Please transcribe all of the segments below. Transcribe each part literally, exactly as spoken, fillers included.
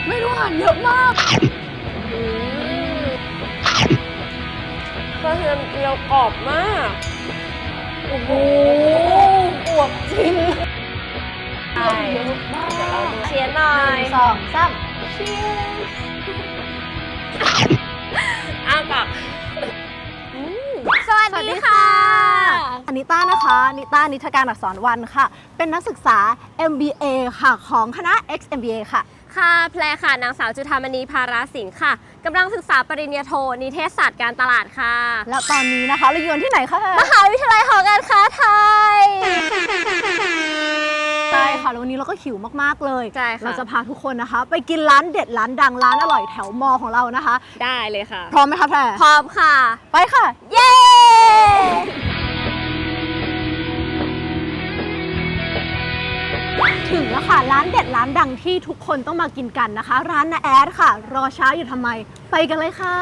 ไม่รู้อ่านเยอะมากกระเทียมเจียวกรอบมากโอ้โหอวบจริงใช่เดี๋ยวเราดูเชียร์หน่อยสองสามเชียร์อ้าปากสวัสดีค่ะอนิต้านะคะนิต้านิทการอักษรวันค่ะเป็นนักศึกษา เอ็ม บี เอ ค่ะของคณะ เอ็กซ์ เอ็ม บี เอ ค่ะค่ะแพรค่ะนางสาวจุฑามณีภาราศิลป์ค่ะกำลังศึกษาปริญญาโทนิเทศศาสตร์การตลาดค่ะแล้วตอนนี้นะคะเราอยู่ที่ไหนคะมหาวิทยาลัยหอการค้าไทยใช่ค่ะแล้ววันนี้เราก็หิวมากๆเลยใช่ค่ะเราจะพาทุกคนนะคะไปกินร้านเด็ดร้านดังร้านอร่อยแถวมอของเรานะคะได้เลยค่ะพร้อมไหมคะแพรพร้อมค่ะไปค่ะเย้ถึงแล้วค่ะร้านเด็ดร้านดังที่ทุกคนต้องมากินกันนะคะร้านนาแอดค่ะรอช้าอยู่ทำไมไปกันเลยค่ะ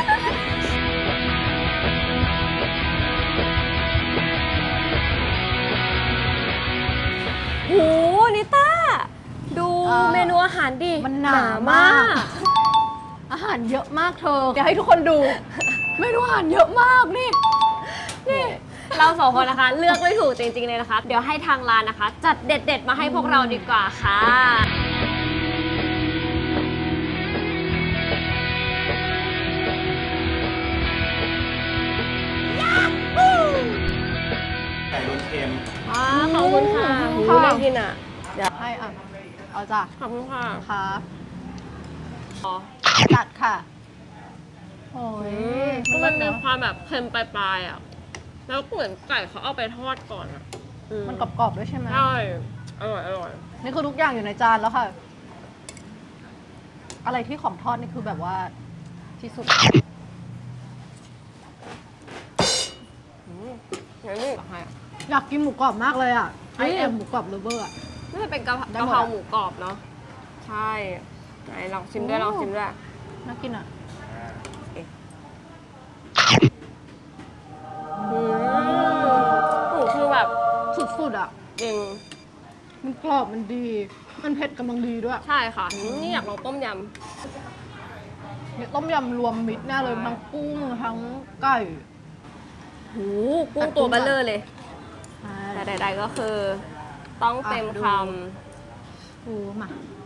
โหนิต้าดูเมนูอาหารดิมันหนามากอาหารเยอะมากเธอเดี๋ยวให้ทุกคนดูเมนูอาหารเยอะมากนี่นี่เราสองคนนะคะเลือกไม่ถูกจริงๆเลยนะคะเดี๋ยวให้ทางร้านนะคะจัดเด็ดๆมาให้พวกเราดีกว่าค่ะไก่รวนเค็มอ่าขอบคุณค่ะหูน่ากินอ่ะเดี๋ยวให้อ่ะเอาจ้ะขอบคุณค่ะค่ะอ๋อจัดค่ะโอ้ยมันมีความแบบเค็มปลายๆอ่ะแล้วเหมือนไก่เขาเอาไปทอดก่อนอ่ะมันกรอบๆด้วยใช่ไหมใช่อร่อยอร่อยนี่คือทุกอย่างอยู่ในจานแล้วค่ะอะไรที่ของทอดนี่คือแบบว่าที่สุดอย่างนี้อยากกินหมูกรอบมากเลยอ่ะไอเอ็มหมูกรอบเลเวอร์อ่ะน่าจะเป็นกะเพราหมูกรอบเนาะใช่ไหนลองชิมด้วยลองชิมด้วยน่ากินอ่ะหมูคือแบบสุดๆอ่ะจริงมันกรอบมันดีมันเผ็ดกำลังดีด้วยใช่ค่ะนี่อยากลองต้มยำเนี่ยต้มยำรวมมิตรแน่เลยทั้งกุ้งทั้งไก่หูกุ้งตัวเบลเลอร์เลยแต่ใดๆก็คือต้องเต็มคำหูมา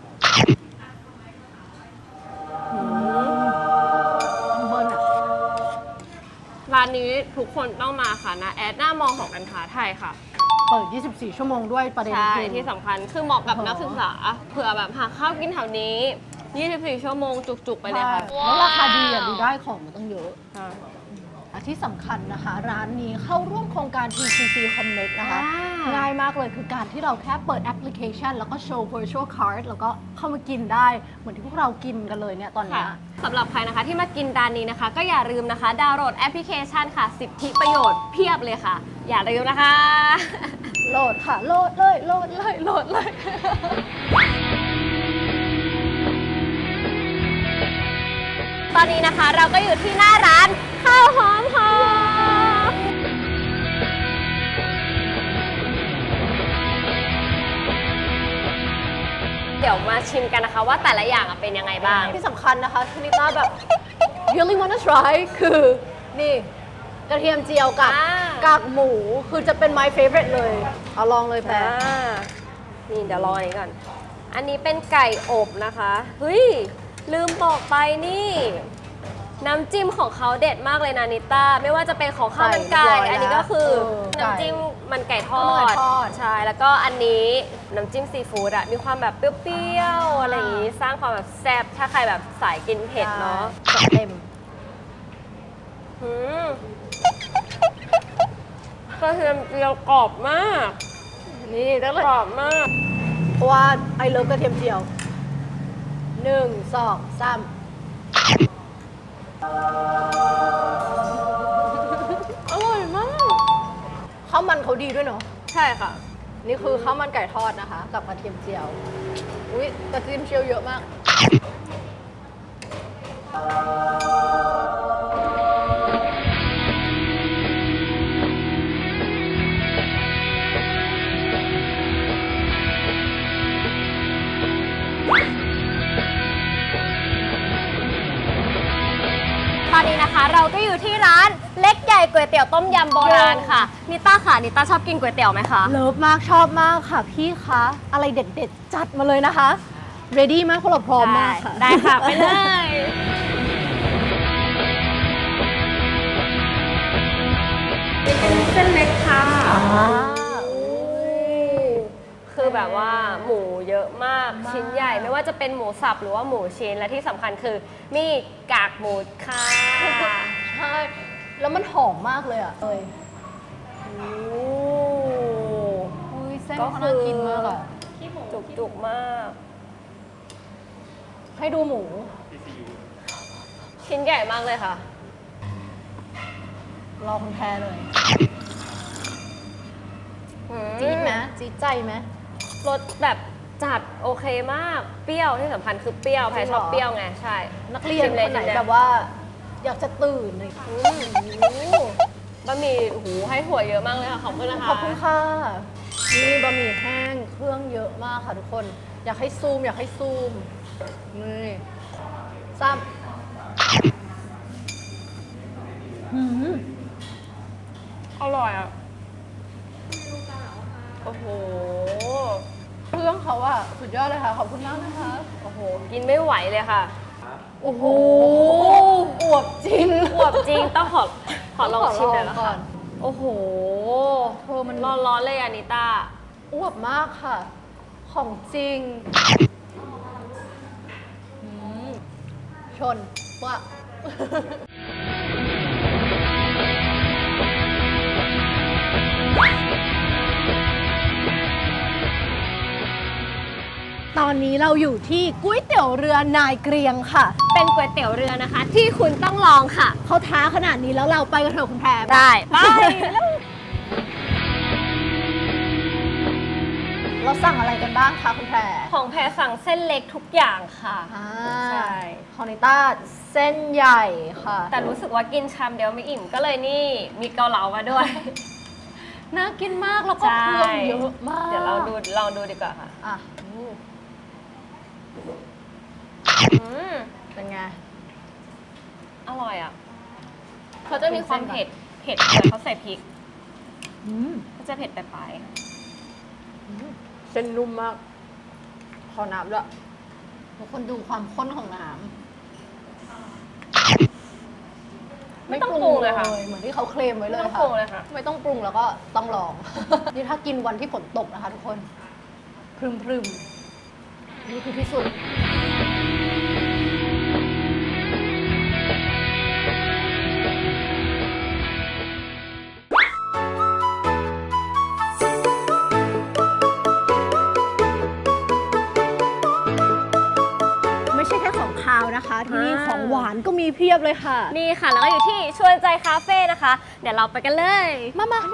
ต้องเบิ้ลอ่ะร้านนี้ทุกคนต้องมาค่ะนะแอดหน้ามองของการค้าไทยค่ะเปิดยี่สิบสี่ชั่วโมงด้วยประเด็นใช่ที่สำคัญคือเหมาะกับนักศึกษาเผื่อแบบหาข้าวกินแถวนี้ยี่สิบสี่ชั่วโมงจุกๆไปเลยค่ะแล้วราคาดีอ่ะดูได้ของมันต้องเยอะที่สำคัญนะคะร้านนี้เข้าร่วมโครงการ ที ซี ซี Connect นะคะง่ายมากเลยคือการที่เราแค่เปิดแอปพลิเคชันแล้วก็โชว์ virtual card แล้วก็เข้ามากินได้เหมือนที่พวกเรากินกันเลยเนี่ยตอนนี้สำหรับใครนะคะที่มากินร้านนี้นะคะก็อย่าลืมนะคะดาวน์โหลดแอปพลิเคชันค่ะสิทธิประโยชน์เพียบเลยค่ะอย่าลืมนะคะโหลดค่ะโหลดเลยโหลดเลยโหลดเลยตอนนี้นะคะเราก็อยู่ที่หน้าร้านข้าวหอมหอมเดี๋ยวมาชิมกันนะคะว่าแต่ละอย่างเป็นยังไงบ้างที่สำคัญนะคะที่นิต้าแบบ really wanna try คือนี่กระเทียมเจียวกับกากหมูคือจะเป็น my favorite เลยเอาลองเลยแพรนี่เดี๋ยวรออันนี้ก่อนอันนี้เป็นไก่อบนะคะเฮ้ยลืมบอกไปนี่น้ำจิ้มของเขาเด็ดมากเลยนะนิต้าไม่ว่าจะเป็นของข้าวมันไก่อันนี้ก็คือน้ำจิ้มมันไก่ทอดใช่แล้วก็อันนี้น้ำจิ้มซีฟู้ดอะมีความแบบเปรี้ยวๆอะไรอย่างนี้สร้างความแบบแซ่บถ้าใครแบบสายกินเผ็ดเนาะเต็มกระเทียมเจียวกรอบมากนี่แล้วกรอบมากเพราะว่าไอเลิฟกระเทียมเจียวหนึ่งสองสามอร่อยมากข้าวมันเขาดีด้วยเนาะใช่ค่ะนี่คือข้าวมันไก่ทอดนะคะกับกระเทียมเจียวอุ้ยกระเทียมเจียวเยอะมากนี้นะคะเราก็อยู่ที่ร้านเล็กใหญ่ก๋วยเตี๋ยวต้มยำโบราณค่ะนิต้าค่ะนิต้าชอบกินก๋วยเตี๋ยวไหมคะเลิฟมากชอบมากค่ะพี่คะ อะไรเด็ดๆ จัดมาเลยนะคะ ready มากพวกเราพร้อมมากค่ะได้ค่ะ ไปเลย เป็นเส้นเล็กค่ะอ่าคือแบบว่าหมูเยอะมากชิ้นใหญ่ไม่ว่าจะเป็นหมูสับหรือว่าหมูชิ้นและที่สำคัญคือมีกากหมูค่ะใช่ แล้วมันหอมมากเลยอ่ะเอ้ยโอ้อุ้ยเส้นก็เขาคืน่าอกินมากอ่ะจุกจุกๆมากให้ดูหมูชิ้นใหญ่มากเลยค่ะรอคุณแพรเลยอืมจี๊ดไหมจี๊ดใจไหมรสแบบจัดโอเคมากเปรี้ยวที่สำคัญคือเปรี้ยวแพรชอบเปรี้ยวไงใช่นักเรียนชิมคเลยนไหนชิมเลยแบบว่า อยากจะตื่นเลยอืมบะหมี่หูให้ถั่วเยอะมากเลยค่ะขอบคุณนะคะขอบคุณค่ะ นี่บะหมี่แห้งเครื่องเยอะมากค่ะทุกคน อยากให้ซูม อยากให้ซูม นี่ซ้ำหืมอร่อยอ่ะโอ้โหเครื่องเขาอะสุดยอดเลยค่ะ ขอบคุณมากนะคะโอ้โหกินไม่ไหวเลยค่ะโอ้โห อวบจริงอวบจริงต้องขอขอลองชิมหน่อยละก่อค่ะนโอ้โหเธอมันร้อนๆเลยอานิต้าอวบมากค่ะ ของจริงอืมชนว่า ตอนนี้เราอยู่ที่ก๋วยเตี๋ยวเรือนายเกรียงค่ะเป็นก๋วยเตี๋ยวเรือนะคะ ที่คุณต้องลองค่ะเขาท้าขนาดนี้แล้วเราไปกันเถอะคุณแพรได้ไปเราสั่งอะไรกันบ้างคะคุณแพรของแพรสั่งเส้นเล็กทุกอย่างค่ะอ่าใช่ของนิต้าเส้นใหญ่ค่ะแต่รู้สึกว่ากินชามเดียวไม่อิ่มก็เลยนี่มีเกาเหลามาด้วยน่ากินมากแล้วก็เครื่องเยอะมากเดี๋ยวเราดูลองดูดีกว่าค่ะอ่ะอืมเป็นไงอร่อยอ่ะเขาจะมีความเผ็ดเผ็ดเดี๋ยวเขาใส่พริกอืมก็จะเผ็ดปลายเส้นนุ่มมาก ขอน้ำด้วยทุกคนดูความข้นของน้ำๆไม่ต้องปรุงเลยค่ะเหมือนที่เขาเคลมไว้เลยไม่ต้องค่ะปรุงเลยค่ะไม่ต้องปรุงแล้วก็ต้องลอง นี่ถ้ากินวันที่ฝนตกนะคะทุกคน พรึมพรึมๆนี่คือที่สุด ไม่ใช่แค่ของคาวนะคะ ที่นี่อ่าของหวานก็มีเพียบเลยค่ะนี่ค่ะ แล้วก็อยู่ที่ชวนใจคาเฟ่นะคะ เดี๋ยวเราไปกันเลยมามา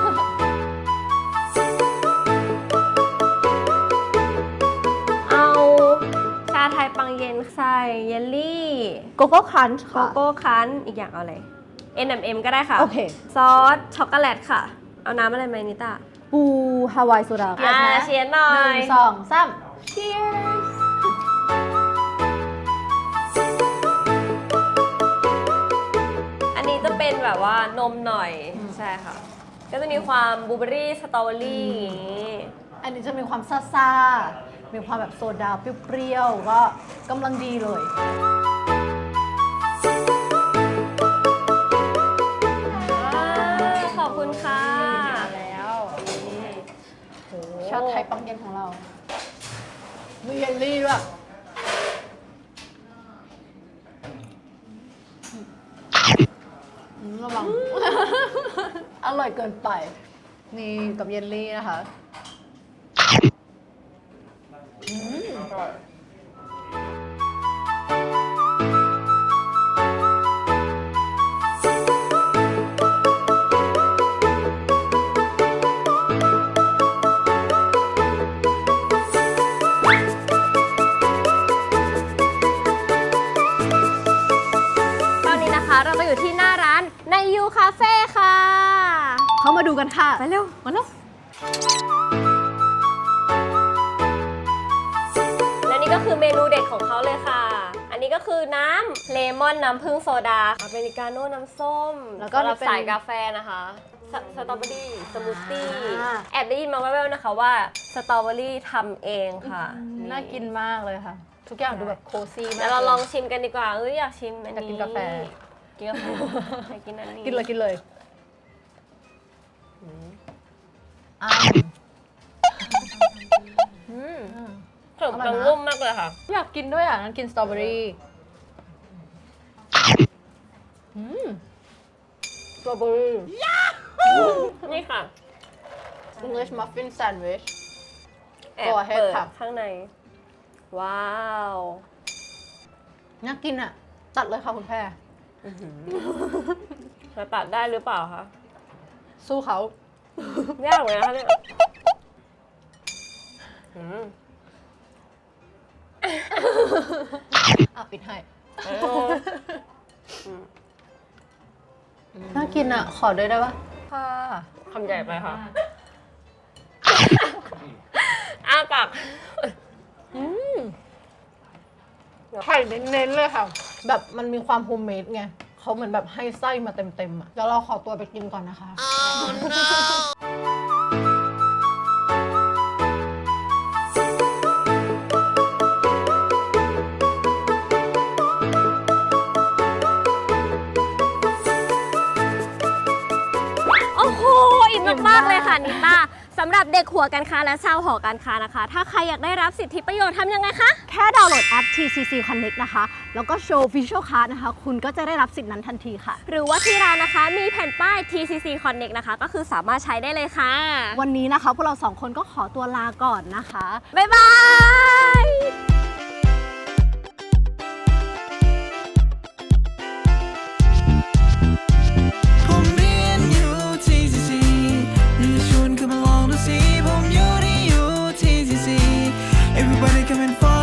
เอาชาไทยปังเย็นใส่เยลลี่โกโก้คันช์โกค่ะโก้คั้นอีกอย่างเอาอะไร เอ็น เอ็ม เอ็ม ก็ได้ค่ะโอเคซอสช็อกโกแลตค่ะ เอาน้ำอะไรไหมนิต้าปูฮาวายโซดาอ่าเชียร์หน่อหยนึ่งสองสาม cheers อันนี้จะเป็นแบบว่านมหน่อย ใช่ค่ะ ก็จะมีความบลูเบอรี่สตรอเบอรี่อย่างนี้อันนี้จะมีความซ่าๆ มีความแบบโซดาเปรี้ยวๆ ก็กำลังดีเลยขอบคุณค่ะมาแล้วชาไทยปังเย็นของเรา มีเยลลี่ด้วยอืมระวัง อร่อยเกินไป นี่กับเยลลี่นะคะอืมตอนนี้นะคะเราก็อยู่ที่หน้าร้านในยูคาเฟ่ค่ะเข้ามาดูกันค่ะไปเร็วมาเร็วและนี่ก็คือเมนูเด็ดของเขาเลยค่ะ อันนี้ก็ก็คือน้ำเลมอนน้ำผึ้งโซดาอเมริกาโน่น้ำส้มแล้วก็สำหรับเป็นสายกาแฟนะคะสสตรอเบอรี่สมูทตี้อ่าแอบได้ยินมาแว่วๆนะคะว่าสตรอเบอรี่ทำเองค่ะน่ากินมากเลยค่ะ ทุกอย่างดูแบบโคซี่มากเดี๋ยวเราลองชิมกันดีกว่าเอ้ยอยากชิมอันอยากนี้กินกาแฟกินกาแฟอยากกินอันนี้กินเลยกินเลยอ่าอืมอืมขนมปังนุ่มมากเลยค่ะอยากกินด้วยอ่ะงั้นกินสตรอเบอรี่อืมสตรอเบอรี่นี่ค่ะ English muffin sandwich แอบ Go ahead เปิดค่ะข้างใน ว้าวน่ากินอ่ะ ตัดเลยค่ะคุณแพรจะตัดได้หรือเปล่าคะสู้เขายากเลยนะคะเนี่ยอืมอ่ะ ปิดให้เออน่ากินอ่ะ ขอด้วยได้ปะค่ะคำใหญ่ไปค่ะ อ้าปากอืมไข่เน้นๆเลยค่ะ แบบมันมีความโฮมเมดไงเขาเหมือนแบบให้ไส้มาเต็มๆอ่ะเดี๋ยวเราขอตัวไปกินก่อนนะคะโอ้โห อิ่มมากๆเลยค่ะนิต้าสำหรับเด็กหัวการค้าและชาวหอการค้านะคะ ถ้าใครอยากได้รับสิทธิประโยชน์ทำยังไงคะแค่ดาวน์โหลดแอป ที ซี ซี Connect นะคะ แล้วก็โชว์ Visual Card นะคะ คุณก็จะได้รับสิทธิ์นั้นทันทีค่ะหรือว่าที่ร้านนะคะมีแผ่นป้าย ที ซี ซี Connect นะคะ ก็คือสามารถใช้ได้เลยค่ะวันนี้นะคะ พวกเราสองคนก็ขอตัวลาก่อนนะคะบ๊ายบายผมเรียนอยู่ ที ซี ซี หรือชวนคุณมาลองดูสิผมอยู่ที่อยู่ ที ซี ซี Everybody come and follow